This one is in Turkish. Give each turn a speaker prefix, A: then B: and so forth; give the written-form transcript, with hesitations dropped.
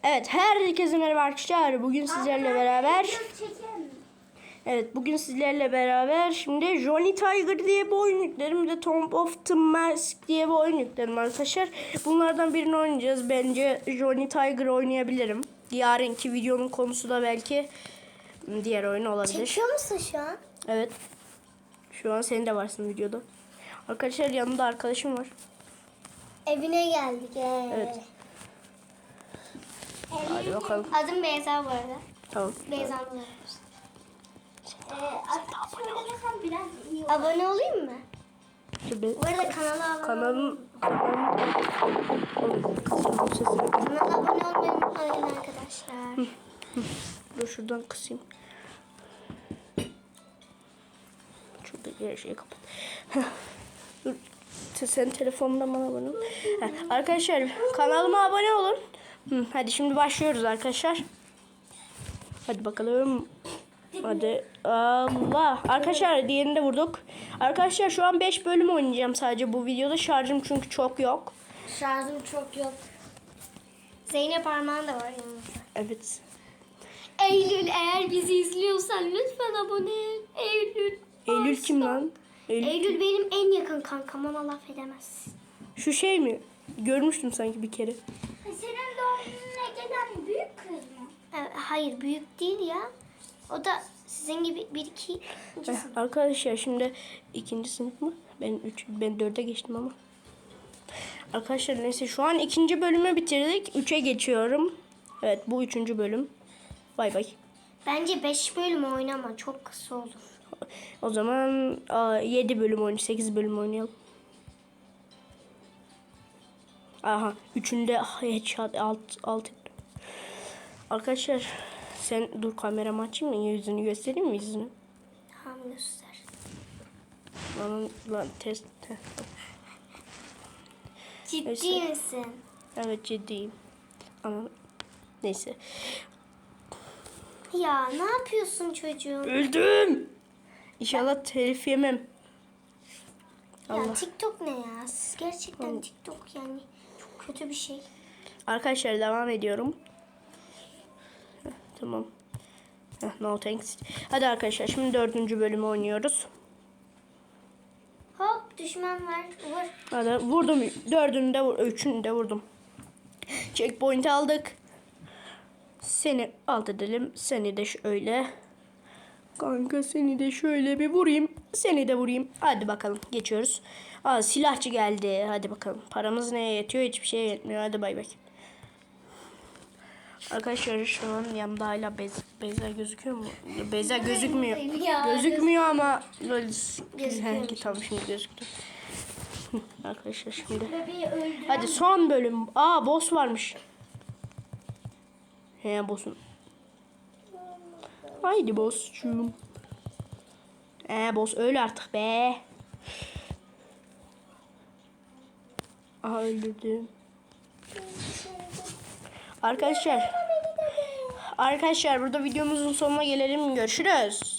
A: Evet, herkese merhaba arkadaşlar. Bugün sizlerle beraber bugün sizlerle beraber şimdi Johnny Tiger diye bir oyun yükledim. Bir de Tomb of the Mask diye bir oyun yükledim arkadaşlar. Bunlardan birini oynayacağız. Bence Johnny Tiger oynayabilirim. Yarınki videonun konusu da belki diğer oyun olabilir.
B: Çekiyor musun şu an?
A: Evet. Şu an senin de varsın videoda. Arkadaşlar yanımda arkadaşım var.
B: Evine geldik.
A: Evet. Hadi bakalım.
B: Adım Beyza bu arada.
A: Tamam.
B: Beyza'nın adı. Abone olayım mı? Bu arada kanala abone Kanala abone olmayı unutmayın arkadaşlar.
A: Dur şuradan kısayım. Şurada her şeyi kapat. Dur. Sen telefonundan bana abone ol. Arkadaşlar kanalıma abone olun. Hadi şimdi başlıyoruz arkadaşlar. Hadi bakalım. Hadi. Allah. Arkadaşlar diğerini de vurduk. Arkadaşlar şu an 5 bölüm oynayacağım sadece bu videoda. Şarjım çünkü çok yok.
B: Şarjım çok yok. Zeynep Armağan da var yanımızda.
A: Evet.
B: Eylül eğer bizi izliyorsan lütfen abone ol. Eylül.
A: Eylül kim lan?
B: Eylül benim en yakın kankam, ona laf edemezsin.
A: Şu şey mi? Görmüştüm sanki bir kere.
B: Senin doğum gününe gelen büyük kız mı? Hayır, büyük değil ya. O da sizin gibi bir iki.
A: Arkadaşlar şimdi ikinci sınıf mı? Ben 4'e geçtim ama. Arkadaşlar neyse şu an ikinci bölümü bitirdik. 3'e geçiyorum. Evet bu 3. bölüm. Bay bay.
B: Bence 5 bölüm oynama, çok kısa olur.
A: O zaman 7 bölüm oynayalım. 8 bölüm oynayalım. Aha 3'ünde headshot alt. Arkadaşlar sen dur kameramı açayım mı? Yüzünü göstereyim mi yüzünü?
B: Tamam, göster.
A: Lan test.
B: Ciddi
A: Neyse.
B: misin?
A: Evet ciddiyim. Ama neyse.
B: Ya ne yapıyorsun çocuğum?
A: Öldüm. İnşallah telif yemem.
B: Ya
A: Allah.
B: TikTok ne ya? Siz gerçekten TikTok yani çok kötü bir şey.
A: Arkadaşlar devam ediyorum. Tamam. No thanks. Hadi arkadaşlar şimdi 4. bölümü oynuyoruz.
B: Hop, düşman var. Vur.
A: Hadi vurdum. 4'ünü de 3'ünü de vurdum. Checkpoint aldık. Seni alt edelim. Seni de şöyle. Kanka seni de şöyle bir vurayım. Seni de vurayım. Hadi bakalım geçiyoruz. Silahçı geldi. Hadi bakalım. Paramız neye yetiyor? Hiçbir şeye yetmiyor. Hadi bay bay. Arkadaşlar şu an yanımda hala Beyza gözüküyor mu? Beyza gözükmüyor. Gözükmüyor ama
B: Gözüküyor.
A: tamam şimdi gözüktü. Arkadaşlar şimdi.
B: Bebeği öldüren.
A: Hadi son bölüm. Boss varmış. Boss'un. Haydi boss'cum. Boss öl artık be. Aha öldürdüm. Arkadaşlar burada videomuzun sonuna gelelim. Görüşürüz.